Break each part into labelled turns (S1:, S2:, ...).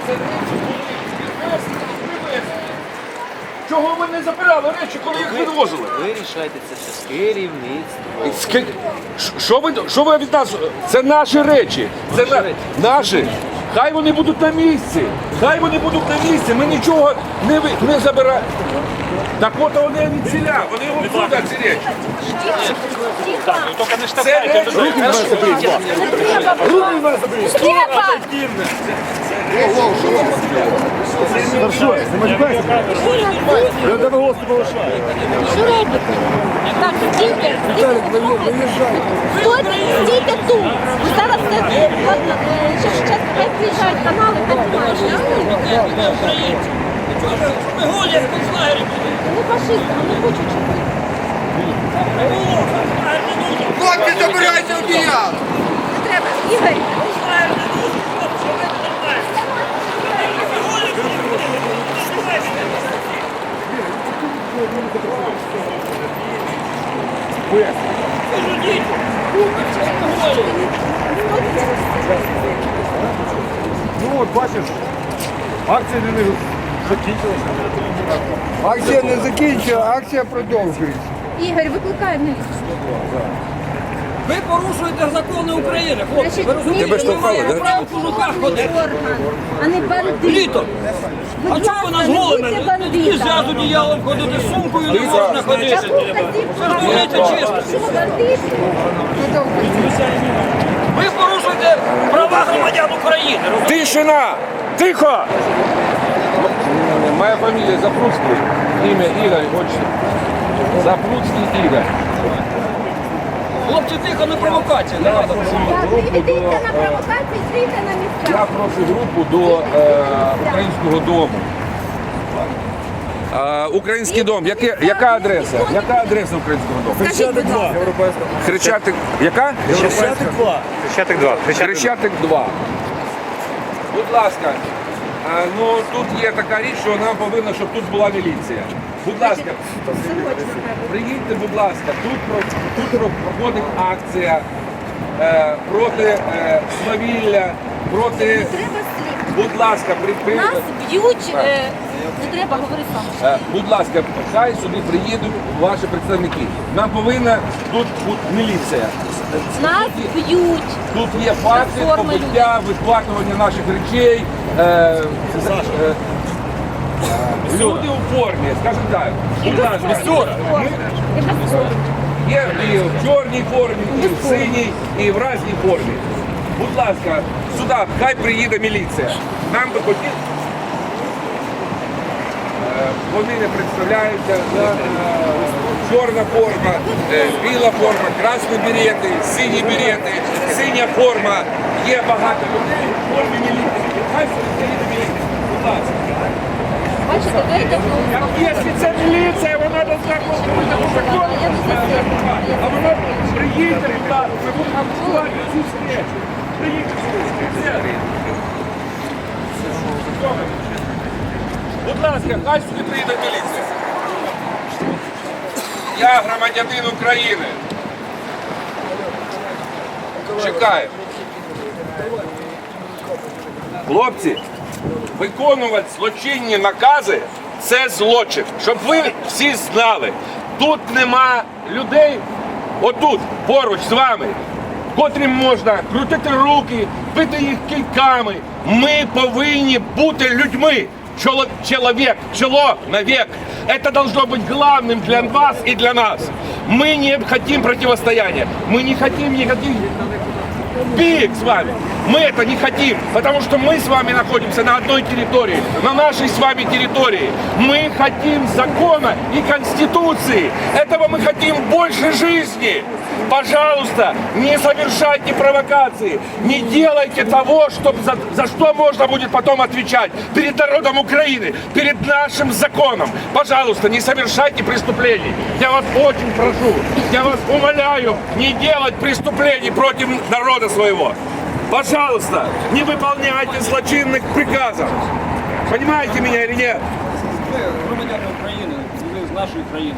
S1: речі були підвезені, привезені. Чого ви не забирали речі, коли їх відвозили?
S2: Ви рішаєте це все з керівництвом.
S1: Що ви від нас? Це наші речі. Це наші. Хай вони будуть на місці. Хай вони будуть на місці. Ми нічого не забираємо. Так от вони від ціля. Вони його ці речі.
S3: Так, ну только не
S1: Це
S3: штовхайте.
S1: речі. Руки вас заберіть. Руки вас заберіть.
S4: Степан!
S5: Хорошо, не матюкайся. Я тебе голос не повишаю.
S4: Що робите? Так, стійте, стійте тут. Ви зараз це, ладно, ще хай приїжджають канали, так знаєш.
S6: Ми гулять в концлагері.
S4: Вони фашисти, вони хочуть, щоб ви.
S7: Хлопці, забирайте одіяло!
S4: Не треба, Ігор.
S5: Ну от бачиш, акція не закінчилася.
S7: Акція не закінчується, акція продовжується.
S4: Ігор, викликай міліцію.
S6: Ви порушуєте закони України, хлопці. Ви розумієте, що ми маємо право в кожухах ходити.
S4: Орган, а не бандит.
S6: Літо. А
S4: Будь
S6: чого ви нас
S4: ласка, не
S6: голими?
S4: будьте
S6: Нельзя з
S4: бандитами.
S6: одіялом ходити, з сумкою не можна ходити. Це ж говорите чесно.
S4: Що бандити?
S6: Ви порушуєте права громадян України. розумієте?
S1: Тишина! Тихо! Моя фамилия Запруцкий, имя Игорь, отчество. Запруцкий Игорь.
S6: Хлопці, тихо, не провокація. Не треба.
S4: Так, не йдіть на провокації, стійте на
S1: Я
S4: місцях.
S1: прошу групу до Українського дому. Український дом. Яка адреса? Яка адреса Українського дому?
S4: Скажіть, будь ласка.
S1: Хрещатик. Яка?
S3: Хрещатик 2.
S1: Хрещатик 2. Будь ласка. Ну тут є така річ, що нам повинно, щоб тут була міліція. Будь ласка, приїдьте, будь ласка, тут проходить акція проти свавілля, проти.
S4: Не треба слів.
S1: Будь ласка,
S4: Нас б'ють, не треба, говори сам.
S1: будь ласка, хай сюди приїдуть ваші представники. Нам повинна тут бути міліція.
S4: Нас б'ють.
S1: Тут є факти побиття, відплатування наших речей. Люди у формі, скажімо так. Будь ласка, є і в чорній формі, і в синій, і в разній формі. Будь ласка, сюди, хай приїде міліція. Нам би хотіли. Вони не представляються. Чорна форма, біла форма, красні берети, сині берети, синя форма. Є багато людей в формі міліції. Хай сюди приїде міліція. Будь ласка.
S4: Бачите, дайте
S1: Якщо це міліція, вона должна бути по закону. А вона приїде, будь ласка, ми будемо обсувати цю встречу. Приїдьте сюди. Будь ласка, хай сюди приїде міліція. Я громадянин України. Чекаю. Хлопці, виконувати злочинні накази – це злочин. Щоб ви всі знали, тут нема людей, отут, поруч з вами, котрим можна крутити руки, бити їх кийками. Ми повинні бути людьми. Человек. Это должно быть главным для вас и для нас. Мы не хотим противостояния. Мы не хотим никаких бег с вами. Мы это не хотим, потому что мы с вами находимся на одной территории, на нашей с вами территории. Мы хотим закона и конституции. Этого мы хотим больше жизни. Пожалуйста, не совершайте провокации, не делайте того, за что можно будет потом отвечать перед народом Украины, перед нашим законом. Пожалуйста, не совершайте преступлений. Я вас очень прошу, я вас умоляю, не делать преступлений против народа своего. Пожалуйста, не выполняйте злочинных приказов. Понимаете меня или нет?
S6: Громадяни України, ви нашої країни.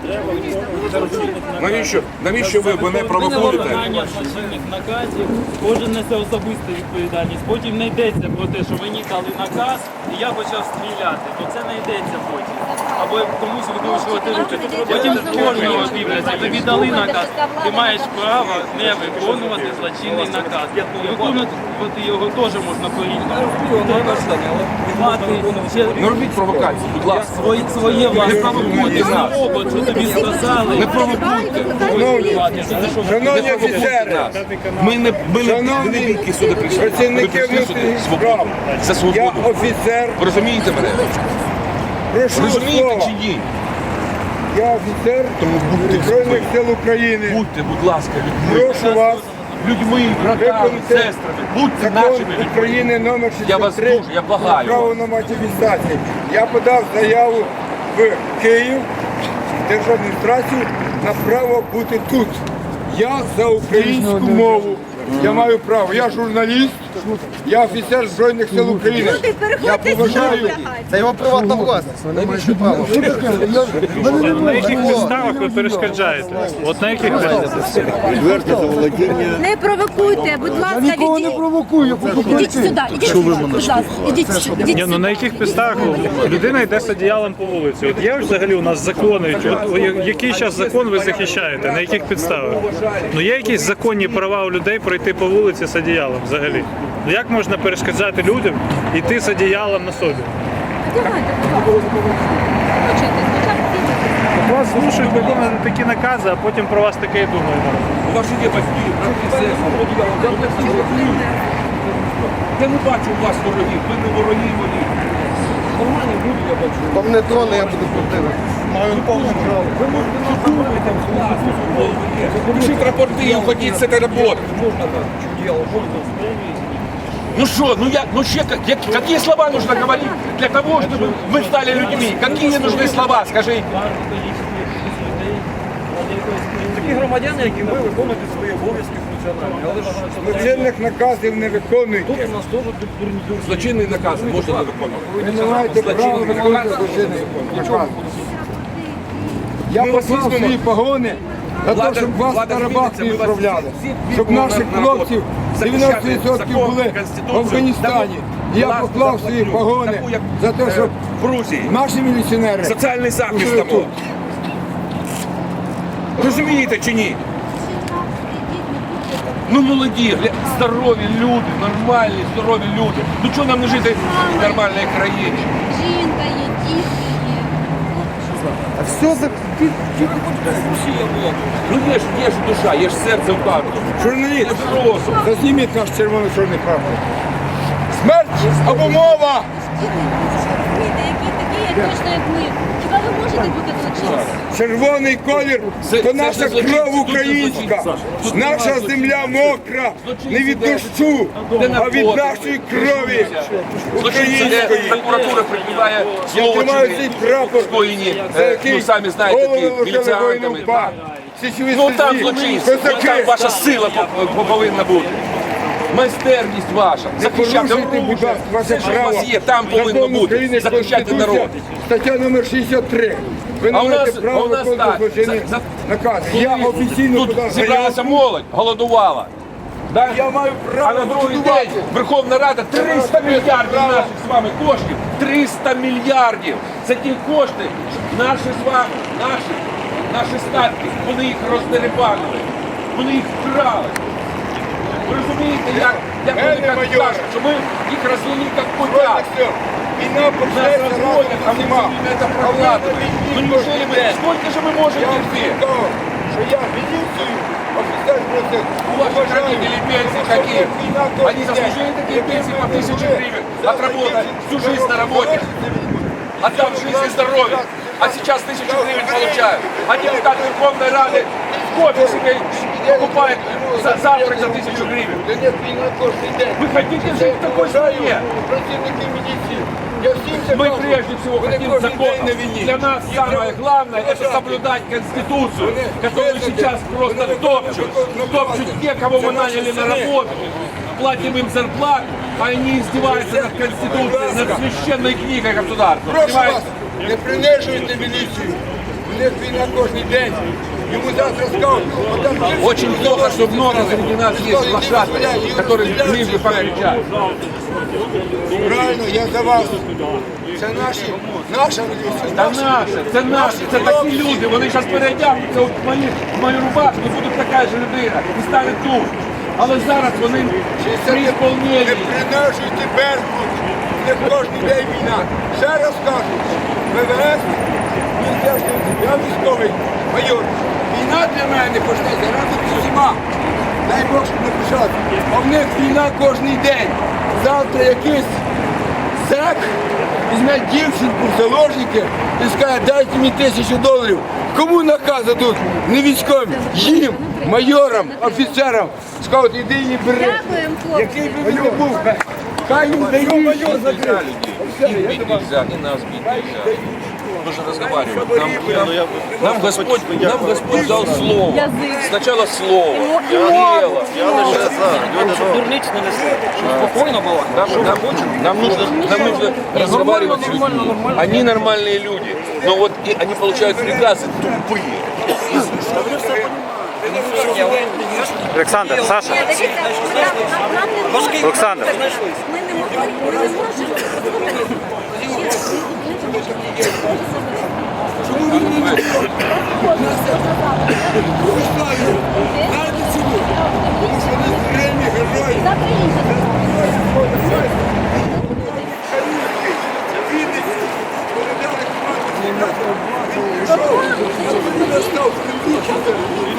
S1: Навіщо ви мене провокуєте?
S8: Виконання злочинних наказів, кожен несе особисту відповідальність. Потім не йдеться про те, що мені дали наказ, і я почав стріляти, то це не йдеться потім. Або комусь викручувати руки. Потім кожного дивляться, тобі дали наказ, ти маєш право не виконувати злочинний наказ. Виконувати його теж можна по-різному. Мати ще
S1: Не робіть провокації, будь ласка.
S8: своє власне
S1: провокуйте нас.
S8: що тобі сказали.
S1: Не провокуйте.
S7: Шановні офіцери,
S1: Ми не бійки сюди прийшли.
S7: працівники
S1: Ми прийшли сюди
S7: внутрішніх справ,
S1: за
S7: я
S1: свободу.
S7: офіцер,
S1: Ви розумієте мене?
S7: прошу
S1: Розумієте
S7: слова.
S1: чи ні?
S7: Я офіцер
S1: Тому будьте
S7: Збройних сил України.
S1: Будьте, будь ласка, людьми.
S7: Прошу вас
S1: Людьми, братами,
S7: виконати
S1: сестрами. Будьте
S7: закон
S1: нашими людьми.
S7: України номер
S1: Я вас
S7: 63
S1: дуже, я благаю
S7: про право
S1: вас.
S7: на матівістацію. Я подав заяву в Київ, в держадміністрацію на право бути тут. Я за українську мову. Я маю право. Я журналіст, я офіцер Збройних сил України. Я поважаю.
S5: Це його приватна власність, ви не маєте права.
S3: На яких підставах ви перешкоджаєте? От на яких підставах?
S5: Відверте заволодіння.
S4: Не провокуйте, будь ласка,
S5: Нікого не провокую, я хочу
S4: ідіть сюди, ідіть сюди, будь ласка, ідіть сюди.
S3: Ні, ну на яких підставах людина йде з одіялом по вулиці? От є взагалі у нас закони, от який зараз закон ви захищаєте? На яких підставах? Ну є якісь законні права у людей пройти по вулиці з одіялом взагалі? Ну як можна перешкоджати людям йти з одіялом на собі?
S4: Одягайте, будь ласка. Почуйте, спочатку ідіть.
S3: Вас змушують виконувати такі накази, а потім про вас таке і думають.
S1: У вас є батьки, брати, сестри. Я не бачу у вас ворогів, ви не вороги мої. Нормальні люди, я бачу.
S5: Там не троне, я буду противник. Маю повне право.
S1: Ви можете нас думати, пишіть рапорти і уходіть з цієї роботи. Ну что, какие слова нужно говорить для того, чтобы вы стали людьми? Какие нужны слова, скажите?
S6: Такі громадяни, як і ми, виконують свої обов'язки функціональні. Але ж
S7: Злочинних наказів не виконуйте.
S6: тут у нас теж дурні.
S1: Злочинний наказ можна не виконувати.
S7: Ви не маєте права виконувати злочинний наказ. Я
S1: Ми вас
S7: послав
S1: візьмемо.
S7: свої погони для того, щоб вас на рабах не відправляли. Щоб наших хлопців 90% були в Афганістані. І я поклав свої погони за те, щоб
S1: в Грузії.
S7: наші міліціонери
S1: Соціальний захист
S7: служили
S1: тому.
S7: тут.
S1: Розумієте чи ні? Ну молоді, здорові люди, нормальні, здорові люди. Ну чого нам не жити в нормальній країні?
S4: Жінка є, діти є.
S5: А все за...
S1: Ну є ж душа, є ж серце в карту.
S7: Журналіст,
S1: Є ж розум.
S7: зазніміть наш червоно-чорний прапор. Смерть або мова!
S4: Діти, які такі, як точно, як ми. Хіба ви можете бути злочинцем?
S7: Червоний колір
S1: Це
S7: то наша
S1: злочинці,
S7: кров
S1: тут
S7: українська.
S1: злочинці, Саша.
S7: Наша земля мокра, не від дощу, а від нашої крові
S1: Злочинці, де
S7: української.
S1: прокуратура прикриває
S7: Я тримаю цей
S1: злочини,
S7: прапор,
S1: скоєні,
S7: за який
S1: ну самі знаєте,
S7: голови
S1: які
S7: ложили воїнам
S1: міліціантами.
S7: УПА. Січові
S1: Ну там
S7: стрільці,
S1: злочинці,
S7: козаки.
S1: там ваша сила повинна бути. Майстерність ваша, захищати
S7: Порушуйте, будь ласка, ваше
S1: все, що у
S7: право.
S1: вас є, там повинно
S7: Закон
S1: бути,
S7: України,
S1: захищати
S7: Конституція,
S1: народ.
S7: Стаття номер 63. Ви не
S1: А у
S7: маєте
S1: нас-
S7: права
S1: а у нас
S7: виконувати
S1: так.
S7: злочинні
S1: За-
S7: накази. Я офіційно
S1: Тут
S7: подав
S1: зібралася
S7: заяву.
S1: молодь, голодувала. Да?
S7: Я маю
S1: А
S7: право
S1: на другий
S7: голодувати.
S1: день Верховна Рада 300 мільярдів наших з вами коштів. 300 мільярдів. Це ті кошти, що наші з вами, наші статки, вони їх роздерибанили. Вони їх вкрали. Ви розумієте, як вони так
S7: майор.
S1: кажуть, що ми їх розвели як котят.
S7: Війна
S1: Нас
S7: почнеться
S1: разводят, а мы все время это прокладываем. Ну неужели мы, сколько же мы можем терпеть?
S7: Що я міліцію, офіцер просто
S1: У ваших родителей пенсии какие? Они заслужили такие пенсии по 1000 гривен, отработать всю жизнь на работе, отдав жизнь и здоровье. А сейчас 1000 гривен получают. А депутат Верховной Рады кофе себе покупает завтрак за 1000 гривен.
S7: Да нет, війна кожен день.
S1: Вы хотите жить в такой стране?
S7: Працівники міліції. Я всім це
S1: Мы
S7: кажу.
S1: прежде всего
S7: Вони
S1: хотим
S7: кожен
S1: закон.
S7: день на війні.
S1: Для нас самое главное это соблюдать Конституцию, которую сейчас просто топчут. Топчут те, кого мы наняли на работу. Платим им зарплату, а они издеваются над Конституцией, над священной книгой государства.
S7: Прошу вас,
S1: Понимаете?
S7: не принижуйте міліцію. У них війна кожен день. Йому завтра скажуть,
S1: Очень плохо, что много среди нас есть лошадки, которые ниже кричат.
S7: правильно, я за вас. Це наша міліція.
S1: Це наші, це такі люди, вони зараз переодягнуться от в мою рубашку, будуть така ж людина і стануть тут. Але зараз вони при
S7: Не
S1: ісполненні.
S7: принижуйте Беркут. Не кожен день війна. Ще раз кажу, ВВС, Міністерство, я військовий майор. Війна для мене почнеться разом з усіма. Дай Бог, щоб не почати. А в них війна кожен день. Завтра якийсь зек візьме дівчинку в заложники і скаже, дайте мені $1000. Кому накази тут? Не військовим, їм, майорам, офіцерам. Скажуть, іди її бери.
S4: Дякуємо, хлопці.
S7: Який би він не був, хай він дає.
S1: Бить нельзя, и нас бить нельзя. Мы же разговариваем. Нам Господь дал слово. Сначала слово, дело.
S6: Щоб дурниць не несли, щоб спокійно було.
S1: Нам нужно разговаривать с людьми. Они нормальные люди. Но вот они получают приказы тупые.
S3: Олександр, Саша, Олександр.
S4: Ми не можемо.
S7: Знаєте чому? Тому що вони зрельні герої.
S4: Завтра інше.
S7: Вінниці, коли дали команду, він прийшов, він настав Кремлівчика.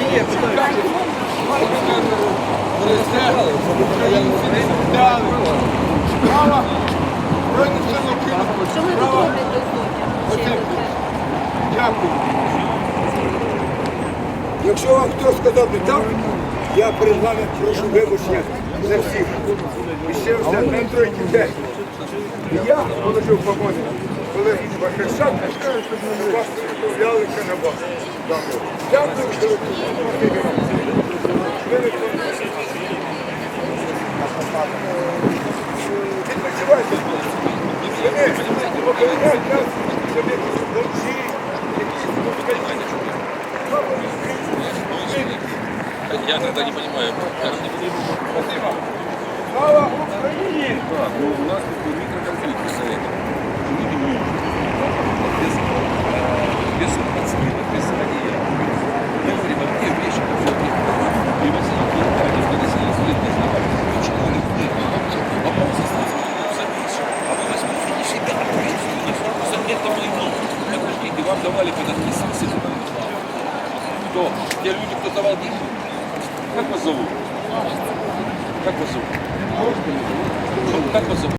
S7: Українці не дали. Слава Збройним силам України.
S4: Що ми тут
S7: Слава.
S4: роблять до сьогодні?
S7: Дякую. Якщо вам хтось сказав не так, я перед вами прошу вибачення за всіх. І ще все, на тройки дітей. І я положив погони, коли Бахарчак вас виставлялися на вас. Дякую, що ви відпочивайте. Вони поколінять нас, щоб якісь бомжі, якісь москалі.
S1: Я тогда не понимаю.
S7: Слава Україні!
S1: У нас такой микроконфликт, представляете? Без подстыла, без злодея. Мы говорим, а где вещи, которые привозили в Германию, в 50 лет назад? Почему они были? А мы запишем, а вы возьмите не себя, за это войну. Подождите, вам давали подписываться. Кто? Те люди, кто давал деньги? Как вас зовут? Как вас зовут? Как вас зовут?